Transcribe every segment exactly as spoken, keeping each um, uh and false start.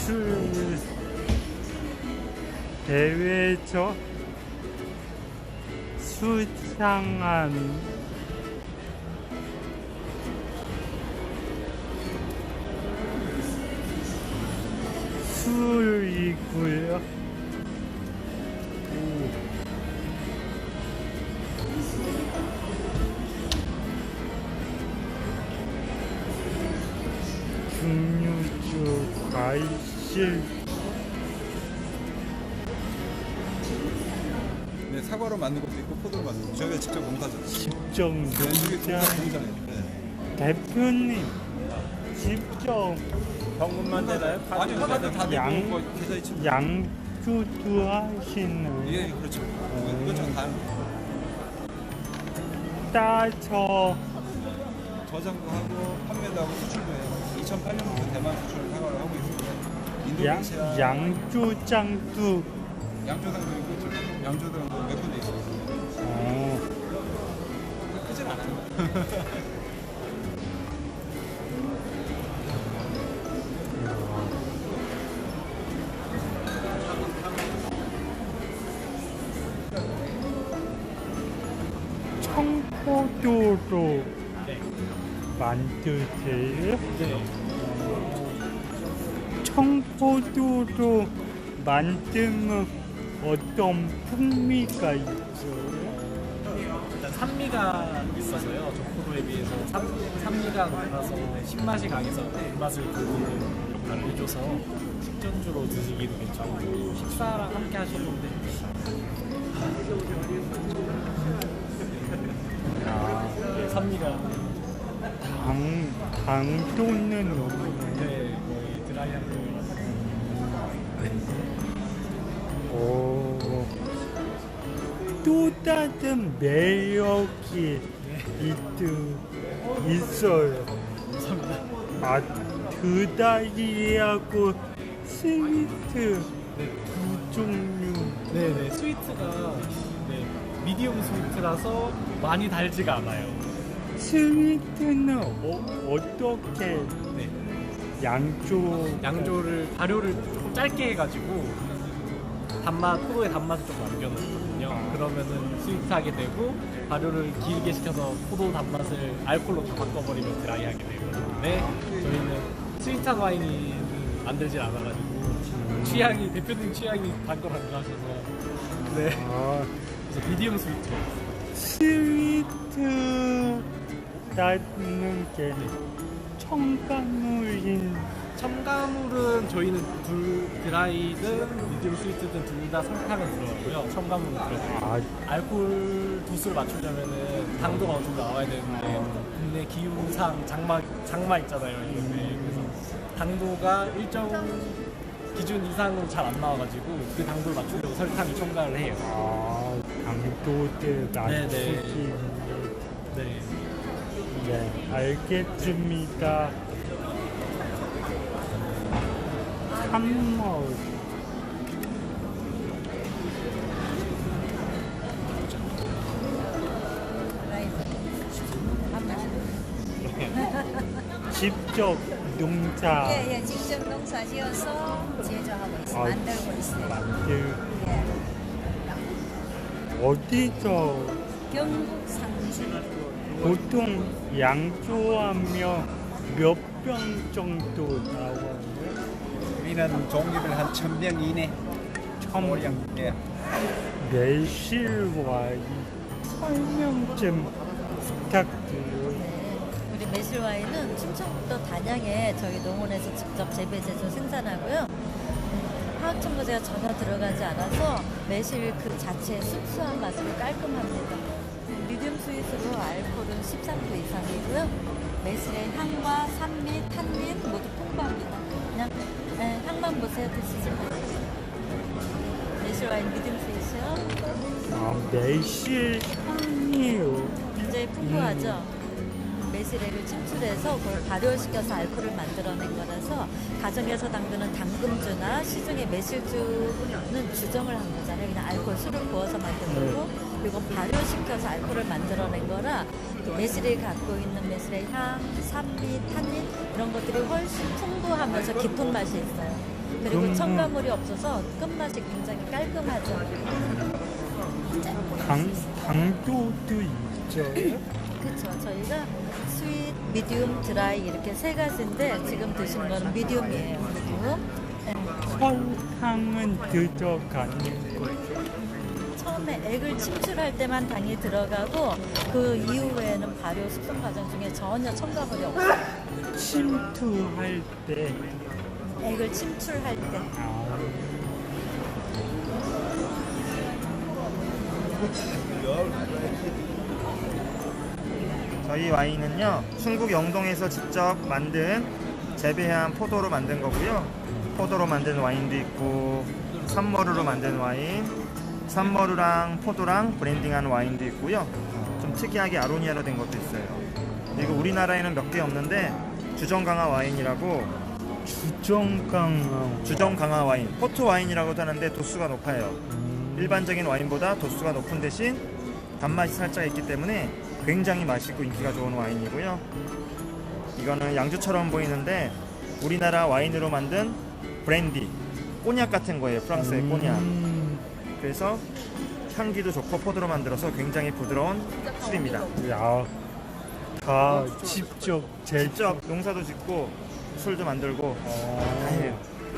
술 대회에서 수상한 술이고요. 증류주, 과일, 네, 사과로 만든 것도 있고 포도로 만든 것도 저희가 직접 농사죠. 직접 농장. 농장 대표님 직접 현금만 되나요? 아니, 카드 다 양- 되고 뭐 계좌 이체. 양주도 하시는 예, 그렇죠. 그렇죠. 다 따서 저장도 하고 판매도 하고 수출도 해요. 이천팔 년부터 대만 수출을 사과를 하고 있습니다. 양, 인도네시아 양조장도 양조당도 있고 지금 양조당도 몇 군데 있어요. 어, 크진 않아요. 청포도로 만드세요? 네. 청포도로 만들면 어떤 풍미가 있어요? 일단 산미가 있어서요. 적포도에 비해서 산산미가 높아서 신맛이 강해서 입맛을 돋우는 역할을 해줘서 식전주로 드시기도 괜찮고 식사랑 함께 하시는데 아, 네, 산미가 당, 당도는 없네. 네, 거의 드라이한 오, 또 다른 매력이 있, 있어요. 아, 드다이하고 스위트 두 종류. 네네 스위트가 네, 미디움 스위트라서 많이 달지가 않아요. 스위트는 어, 어떻게 네. 양조 양조를 발효를 조금 짧게 해가지고 단맛 포도의 단맛을 좀 남겨놓거든요. 그러면은 스위트하게 되고 발효를 길게 시켜서 포도 단맛을 알코올로 다 바꿔버리면 드라이하게 되는데 저희는 스위트한 와인이 만들질 않아가지고 취향이 대표님 취향이 단 걸 안 좋아하셔서 네 아, 그래서 미디움 스위트 스위트라는 게 첨가물인 첨가물은 저희는 둘 드라이든 미디움 스위트든 둘 다 설탕은 들어가고요. 첨가물은 들어가고 아, 알코올 도수를 맞추려면은 당도가 어느 정도 나와야 되는데 국내 기후상 장마 장마 있잖아요. 요즘에 그래서 당도가 일정 기준 이상으로 잘 안 나와가지고 그 당도를 맞추려고 설탕을 첨가를 해요. 아, 당도를 낮추기. 네. 네, 알겠습니다. 참먹. 직접 농사 예, 예, 직접 농사 지어서 제조하고 있어요. 아, 만들고 있어요. 만들 예. 어디서 경북 상주. 보통 양조하면 몇 병 정도 나와요? 우리는 종류별 한 천 병 이내. 첨 예. 매실 와인 설명 좀 부탁드려요. 네. 우리 매실 와인은 충청북도 단양에 저희 농원에서 직접 재배 제조 생산하고요. 음, 화학 첨가제가 전혀 들어가지 않아서 매실 그 자체의 순수한 맛으로 깔끔합니다. 미디움 스윗으로 알코올은 십삼 도 이상이고요. 매실의 향과 산미, 탄닌 모두 풍부합니다. 그냥 네, 향만 보세요. 드시지 마세요. 매실 와인 미디움 스윗이요. 아, 매실 향이요. 굉장히 풍부하죠. 매실액을 침출해서 그걸 발효시켜서 알코올을 만들어낸 거라서 가정에서 담그는 당금주나 시중의 매실주는 주정을 한 거잖아요. 그냥 알코올 술을 부어서 만든 거고 이건 발효시켜서 알코올을 만들어낸 거라 그 매실이 갖고 있는 매실의 향, 산미, 탄닌 이런 것들이 훨씬 풍부하면서 깊은 맛이 있어요. 그리고 음. 첨가물이 없어서 끝맛이 굉장히 깔끔하죠. 당, 당도도 있죠. 그렇죠. 저희가 스윗, 미디움, 드라이 이렇게 세 가지인데 지금 드시는 거는 미디움이에요. 미디움. 네. 설탕은 들어가는 거죠. 처음에 액을 침출할 때만 당이 들어가고 그 이후에는 발효 숙성 과정 중에 전혀 첨가물이 없어요. 침투할 때 액을 침출할 때. 아, 저희 와인은요 충북 영동에서 직접 만든 재배한 포도로 만든 거고요. 포도로 만든 와인도 있고 산머루로 만든 와인, 산머루랑 포도랑 브랜딩한 와인도 있고요. 좀 특이하게 아로니아로 된 것도 있어요. 그리고 우리나라에는 몇 개 없는데 주정 강화 와인이라고 주정강화. 주정 강화 와인, 포트 와인이라고도 하는데 도수가 높아요. 일반적인 와인보다 도수가 높은 대신 단맛이 살짝 있기 때문에 굉장히 맛있고 인기가 좋은 와인이고요. 이거는 양주처럼 보이는데 우리나라 와인으로 만든 브랜디, 꼬냑 같은 거예요. 프랑스의 꼬냑. 음, 그래서 향기도 좋고 포도로 만들어서 굉장히 부드러운 술입니다. 야, 다 직접 제 직접 농사도 짓고 술도 만들고 다 해요.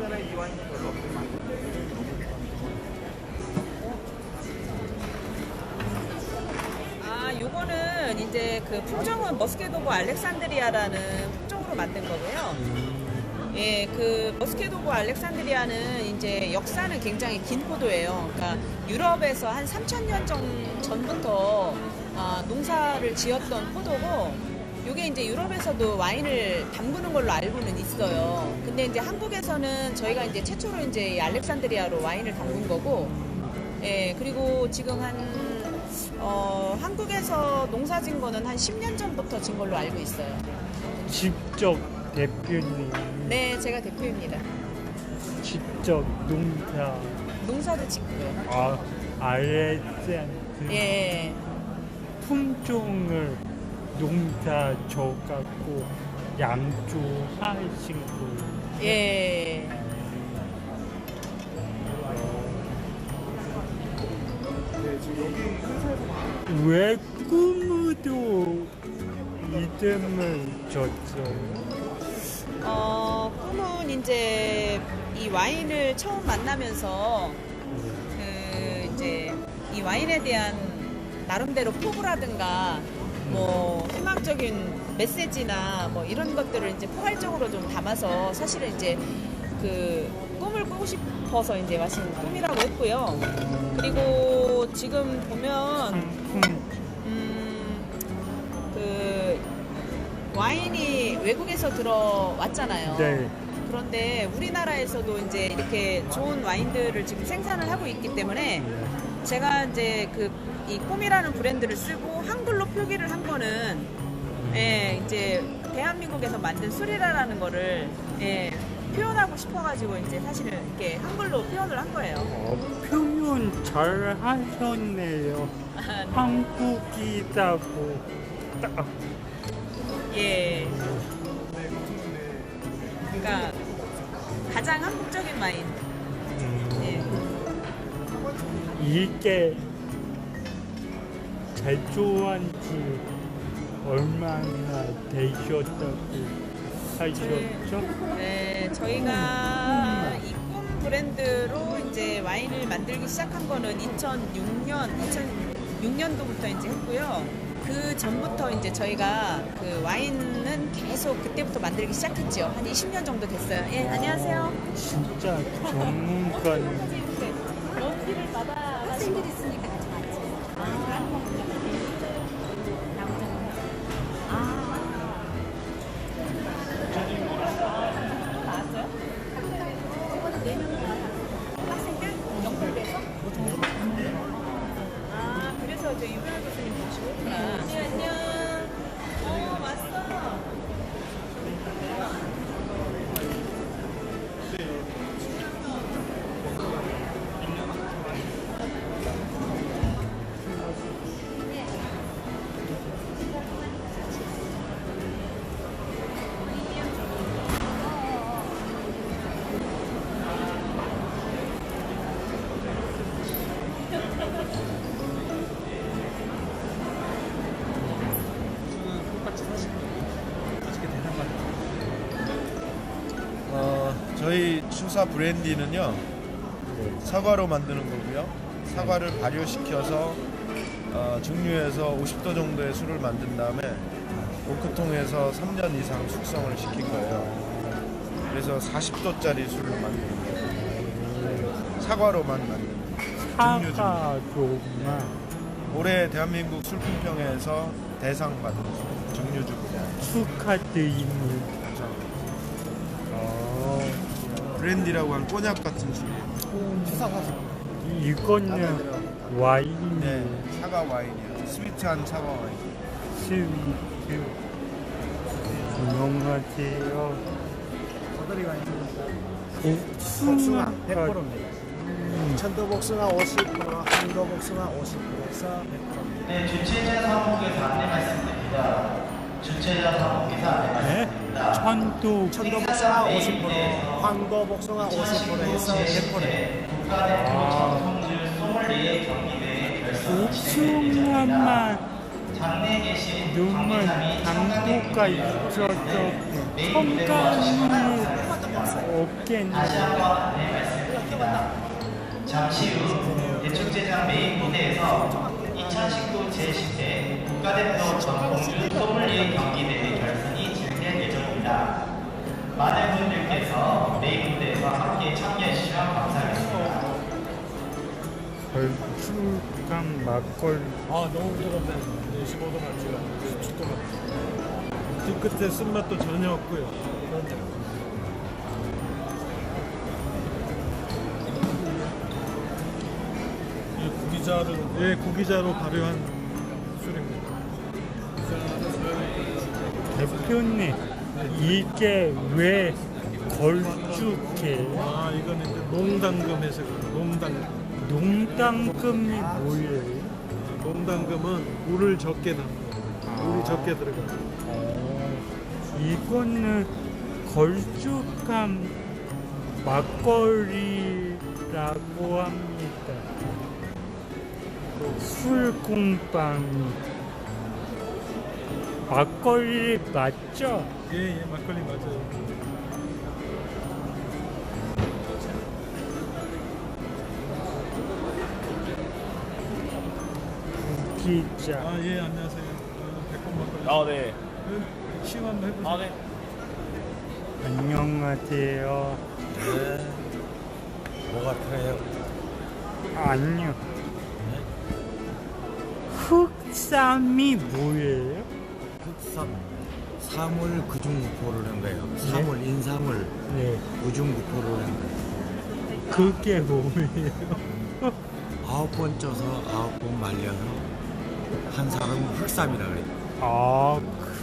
아, 요거는 이제 그 품종은 머스케도고 알렉산드리아라는 품종으로 만든 거고요. 예, 그 머스케도고 알렉산드리아는 이제 역사는 굉장히 긴 포도예요. 그러니까 유럽에서 한 삼천 년 전, 전부터 아, 농사를 지었던 포도고, 요게 이제 유럽에서도 와인을 담그는 걸로 알고는 있어요. 근데 이제 한국에서는 저희가 이제 최초로 이제 이 알렉산드리아로 와인을 담근 거고, 예, 그리고 지금 한 어, 한국에서 농사 진 거는 한 십 년 전부터 진 걸로 알고 있어요. 직접 대표님, 네, 제가 대표입니다. 직접 농사, 농사도 짓고요. 아, 알렉산드 예. 품종을 농사 져갖고 양조하신 거예요. 예. 왜 꿈으로 이름을 줬어요? 어, 꿈은 이제 이 와인을 처음 만나면서 그 이제 이 와인에 대한 나름대로 포부라든가 뭐 희망적인 메시지나 뭐 이런 것들을 이제 포괄적으로 좀 담아서 사실은 이제 그 꿈을 꾸고 싶어서 이제 마신 꿈이라고 했고요. 그리고 지금 보면 상품 음, 그 와인이 외국에서 들어왔잖아요. 네. 그런데 우리나라에서도 이제 이렇게 좋은 와인들을 지금 생산을 하고 있기 때문에 제가 이제 그 이 꿈이라는 브랜드를 쓰고 한글로 표기를 한 거는 예, 이제 대한민국에서 만든 술이라는 거를 예, 표현하고 싶어가지고 이제 사실은 이렇게 한글로 표현을 한 거예요. 어, 표현 잘 하셨네요. 한국이라고 딱. 예. 그러니까 가장 한국적인 와인. 예. 이게 제조한 지 얼마나 되셨다고 하셨죠? 네, 저희가 이 꿈 브랜드로 이제 와인을 만들기 시작한 거는 이천육 년, 이천육 년도부터 이제 했고요. 그 전부터 이제 저희가 그 와인은 계속 그때부터 만들기 시작했죠. 한 이십 년 정도 됐어요. 예, 안녕하세요. 진짜 전문가님. 네, 연기를 받아 학생들이 있으니까 같이 맞지. 아, 그래서 이제 유명한 교수님 모시고 있구나. 네, 안녕. 어, 왔어. 저희 추사 브랜디는요 사과로 만드는 거고요. 사과를 발효시켜서 어, 증류해서 오십 도 정도의 술을 만든 다음에 오크통에서 삼 년 이상 숙성을 시킨 거예요. 그래서 사십 도짜리 술을 만드는 거예요. 사과로만 만드는 증류 중. 사과로만 올해 대한민국 술품평회에서 대상 받은 술, 증류주고. 축하드립니다. 어, 브랜디라고 하는 꼬냑 같은 술이에요. 이거는 와인 네, 사과 와인이에요. 스위트한 사과 와인. 스위트. 안녕하세요. 복숭아 백 퍼센트입니다. 천도 복숭아 오십 퍼센트, 한도 복숭아 오십 퍼센트에서 백 퍼센트. 네, 주최자 사무국에서 안내 말씀드립니다. 주최자 사무국에서 안내 말씀드립니다. 천도 천도 복숭아 오십 퍼센트, 황도 복숭아 오십 퍼센트에서 백 퍼센트. 국가대표 전통주 소믈리에 경기대회 결선 복숭아만 장내에 계신 너무 관계자및 당도가 있어서 첨가는 없겠네. 다시 한번 안내 말씀드립니다. 잠시 후 대축제장 메인 무대에서 이천십구 제십 회 국가대표 전통주 소믈리에 경기대회 결선이 진행될 예정입니다. 많은 분들께서 메인 무대에서 함께 참여해 주시면 감사하겠습니다. 걸쭉한 막걸리. 아 너무 뜨겁네. 네, 십오 도 맞지가 십칠 도 맞지. 뒤끝에 쓴맛도 전혀 없고요. 이 구기자를 예 구기자로 발효한 술입니다. 대표님, 이게 왜 걸쭉해? 아 이거는 이제 농당금에서 농당 농당금이 뭐예요? 농당금은 물을 적게 담는 물이 적게 들어가요. 이거는 걸쭉한 막걸리라고 합니다. 술공방이 막걸리 맞죠? 예예 막걸리 맞아요. 기자. 아 예 안녕하세요. 백번 막걸리. 아, 네. 시험 한번 해보세요. 아, 네. 안녕하세요. 네. 뭐 같아요? 아니요. 흑삼이 뭐예요? 흑삼, 사물 구중구포를 한 거예요. 사물, 인사물 네. 구중구포를 한 거예요. 그게 뭐예요? 아홉 번 쪄서 아홉 번 말려서 한 사람은 흑삼이라 그래요. 아,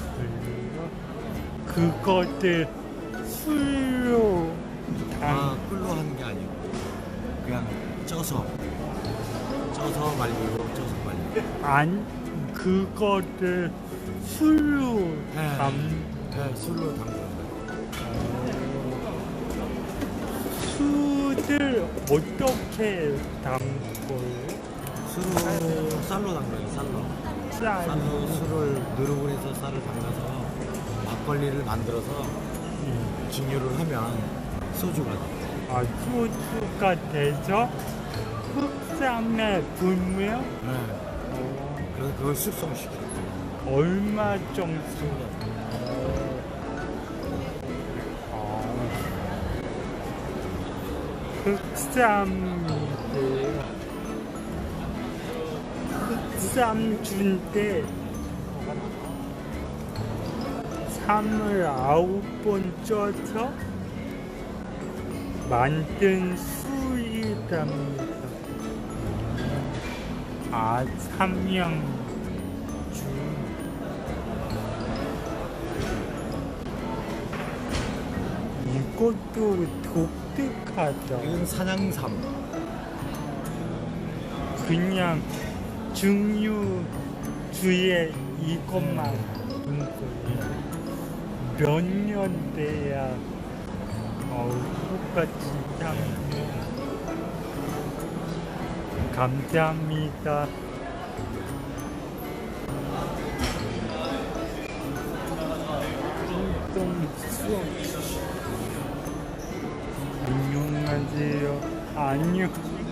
그래요? 그것들 술로 아, 당, 꿀로 하는 게 아니고 그냥 쪄서 쪄서 말리고 쪄서 말리고. 안, 그것들 술로 네. 담, 네, 술로 담그는 거예요. 술을 어떻게 담궈요? 술로 쌀로 담그는 쌀로. 쌀. 쌀로 술을 누르고에서 쌀을 담가서 막걸리를 만들어서 음. 증류를 하면 소주가 돼요. 아, 소주가 돼서 흑삼에 불면 네. 그래서 그걸 숙성시켜요. 얼마 정도? 흑삼인데요. 흑삼주인데 삼을 아홉 번 쪄서 만든 술이랍니다. 아, 삼양주. 이것도 독특하다. 이건 산양삼. 그냥 증류주에 이것만 있는 거예요. 몇 년 돼야 어우, 똑같이 향. 감사합니다. 좀 수업. 계세요. 안녕.